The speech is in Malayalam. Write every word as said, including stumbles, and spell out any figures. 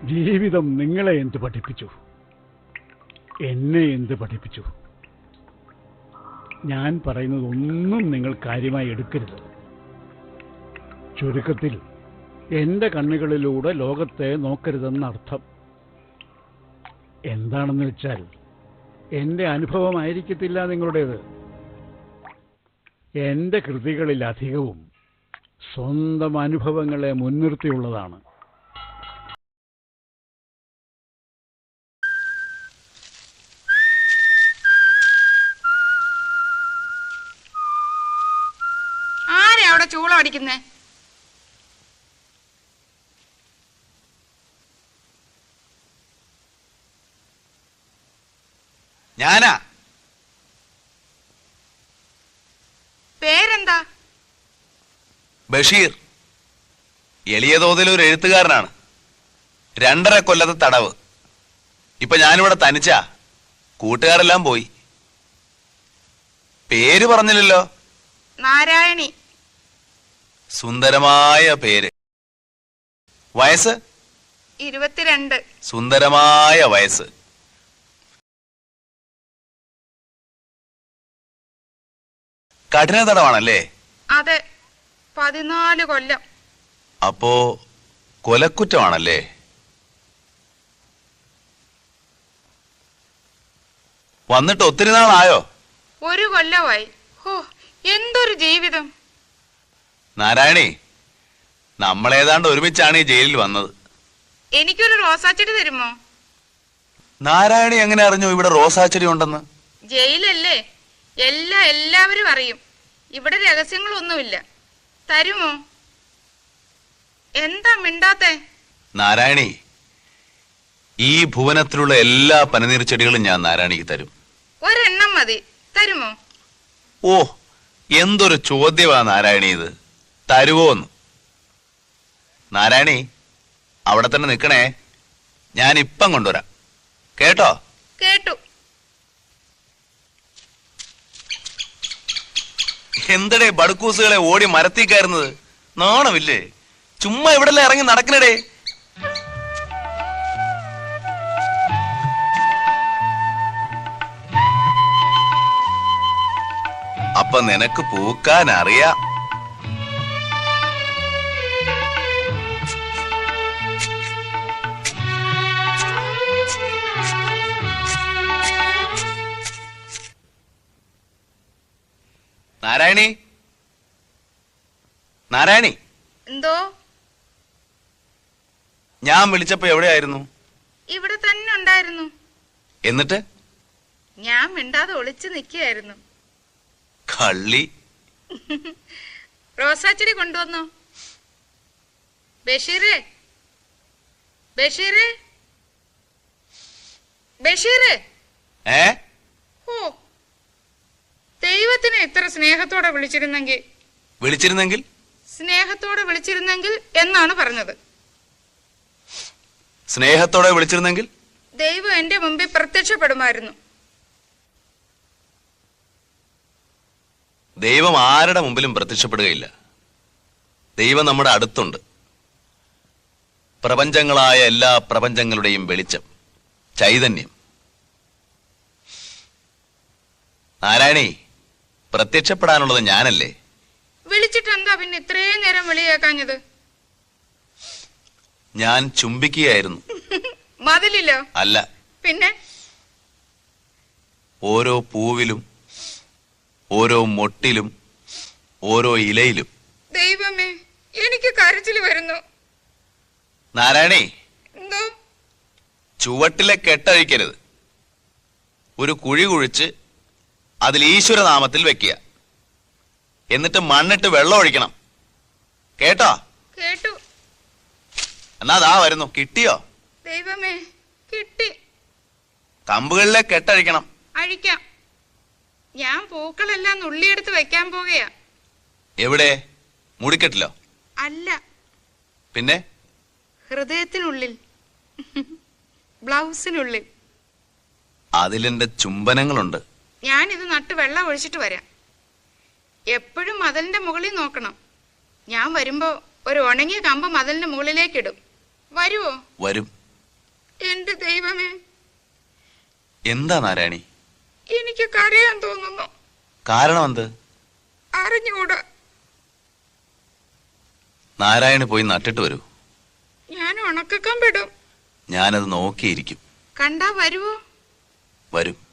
ജീവിതം നിങ്ങളെ എന്ത് പഠിപ്പിച്ചു? എന്നെ എന്ത് പഠിപ്പിച്ചു? ഞാൻ പറയുന്നത് ഒന്നും നിങ്ങൾ കാര്യമായി എടുക്കരുത്. ചുരുക്കത്തിൽ എന്റെ കണ്ണുകളിലൂടെ ലോകത്തെ നോക്കരുതെന്നർത്ഥം. എന്താണെന്ന് വെച്ചാൽ എന്റെ അനുഭവമായിരിക്കത്തില്ല നിങ്ങളുടേത്. എന്റെ കൃതികളിലധികവും സ്വന്തം അനുഭവങ്ങളെ മുൻനിർത്തിയുള്ളതാണ്. ആരാ അവിടെ ചൂളം അടിക്കുന്നേ? ഞാനാ. പേരെന്താ? ബഷീർ. എളിയ തോതിൽ ഒരു എഴുത്തുകാരനാണ്. രണ്ടര കൊല്ലത്തെ തടവ്. ഇപ്പൊ ഞാനിവിടെ തനിച്ചാ. കൂട്ടുകാരെല്ലാം പോയി. പേര് പറഞ്ഞില്ലല്ലോ. നാരായണി. സുന്ദരമായ പേര്. വയസ്സ്? ഇരുപത്തിരണ്ട്. സുന്ദരമായ വയസ്സ്. കഠിന തടവാണല്ലേ? അതെ, പതിനാല് കൊല്ലം. അപ്പോ കൊലക്കുറ്റമാണല്ലേ? വന്നിട്ട് ഒത്തിരി നാളായോ? ഒരു കൊല്ലമായി. ഹോ, എന്തൊരു ജീവിതം. നാരായണി, നമ്മളേതാണ്ട് ഒരുമിച്ചാണ് ഈ ജയിലിൽ വന്നത്. എനിക്കൊരു റോസാച്ചെടി തരുമോ? നാരായണി എങ്ങനെ അറിഞ്ഞു ഇവിടെ റോസാച്ചെടി ഉണ്ടെന്ന്? ജയിലല്ലേ, എല്ലാ എല്ലാവരും അറിയും. ഇവിടെ രഹസ്യങ്ങളൊന്നുമില്ല. തരുമോ? എന്താ മിണ്ടാത്തെ? നാരായണി, ഈ ഭുവനത്തിലുള്ള എല്ലാ പനിനീർ ചെടികളും ഞാൻ നാരായണിക്ക് തരും. ഒരെണ്ണം മതി. തരുമോ? ഓ, എന്തൊരു ചോദ്യമാ നാരായണി ഇത്. തരുവോന്ന്? നാരായണി, അവിടെ തന്നെ നിൽക്കണേ. ഞാൻ ഇപ്പം കൊണ്ടുവരാം. കേട്ടോ? കേട്ടു. എന്തടേ ബടുക്കൂസുകളെ ഓടി മരത്തി കയറുന്നത്? നാണമില്ലേ? ചുമ്മാ ഇവിടെല്ലാം ഇറങ്ങി നടക്കണടേ. അപ്പൊ നിനക്ക് പൂക്കാൻ അറിയാം. നാരായണി, നാരായണി. എന്തോ? ഞാൻ വിളിച്ചപ്പോ എവിടെയായിരുന്നു? ഇവിടെ തന്നെ ഉണ്ടായിരുന്നു. എന്നിട്ട്? ഞാൻ മിണ്ടാതെ ഒളിച്ചു നിൽക്കുകയായിരുന്നു. കള്ളി. റോസാച്ചെടി കൊണ്ടുവന്നോ? ബഷീറേ, ബഷീറേ, ബഷീറേ. ഏ? ഓ, ദൈവത്തിനെ ഇത്ര സ്നേഹത്തോടെ വിളിച്ചിരുന്നെങ്കിൽ വിളിച്ചിരുന്നെങ്കിൽ സ്നേഹത്തോടെ വിളിച്ചിരുന്നെങ്കിൽ എന്നാണ് പറഞ്ഞത്. സ്നേഹത്തോടെ വിളിച്ചിരുന്നെങ്കിൽ ദൈവം എന്റെ മുമ്പിൽ പ്രത്യക്ഷപ്പെടുമായിരുന്നു. ദൈവം ആരുടെ മുമ്പിലും പ്രത്യക്ഷപ്പെടുകയില്ല. ദൈവം നമ്മുടെ അടുത്തുണ്ട്. പ്രപഞ്ചങ്ങളായ എല്ലാ പ്രപഞ്ചങ്ങളുടെയും വെളിച്ചം, ചൈതന്യം. നാരായണി, പ്രത്യക്ഷപ്പെടാനുള്ളത് ഞാനല്ലേ? വിളിച്ചിട്ട് എന്താ പിന്നെ ഇത്രയും നേരം വിളി കേൾക്കാഞ്ഞത്? ഞാൻ ചുംബിക്കുകയായിരുന്നു. മതിലില്ലോ? അല്ല. പിന്നെ? ഓരോ പൂവിലും, ഓരോ മൊട്ടിലും, ഓരോ ഇലയിലും. ദൈവമേ, എനിക്ക് കരച്ചിൽ വരുന്നു. നാരായണി, എന്തോ? ചുവട്ടിലെ കെട്ടഴിക്കരുത്. ഒരു കുഴി കുഴിച്ച് അതിൽ ഈശ്വരനാമത്തിൽ വെക്കുക. എന്നിട്ട് മണ്ണിട്ട് വെള്ളം ഒഴിക്കണം. കേട്ടോ? കേട്ടു. എന്നാ ദാ വരുന്നു. കിട്ടിയോ? ദൈവമേ, കിട്ടി. കമ്പുകളിലെ കെട്ടഴിക്കണം. അഴിക്കാം. ഞാൻ പൂക്കളെല്ലാം നുള്ളിയെടുത്ത് വെക്കാൻ പോകുകയാ. എവിടെ? മുടിക്കെട്ടിലോ? അല്ല, പിന്നെ? ഹൃദയത്തിനുള്ളിൽ, ബ്ലൗസിനുള്ളിൽ. അതിലെന്റെ ചുംബനങ്ങളുണ്ട്. ഞാനിത് നട്ട് വെള്ളം ഒഴിച്ചിട്ട് വരാം. എപ്പോഴും മതിലിന്റെ മുകളിൽ നോക്കണം. ഞാൻ വരുമ്പോ ഒരു ഉണങ്ങിയ കമ്പ് മതിലിന്റെ മുകളിലേക്ക് ഇടും. വരുവോ? വരും. എന്റെ ദൈവമേ, എന്താ നാരായണി? എനിക്ക് കരയാൻ തോന്നുന്നു. കാരണം എന്ത്? അറിഞ്ഞുകൂടാ. നാരായണി പോയി നട്ടിട്ട് വരൂ. ഞാൻ ഉണക്കക്കാൻ പെടും. ഞാനത് നോക്കിയിരിക്കും. കണ്ടാ വരുവോ? വരും.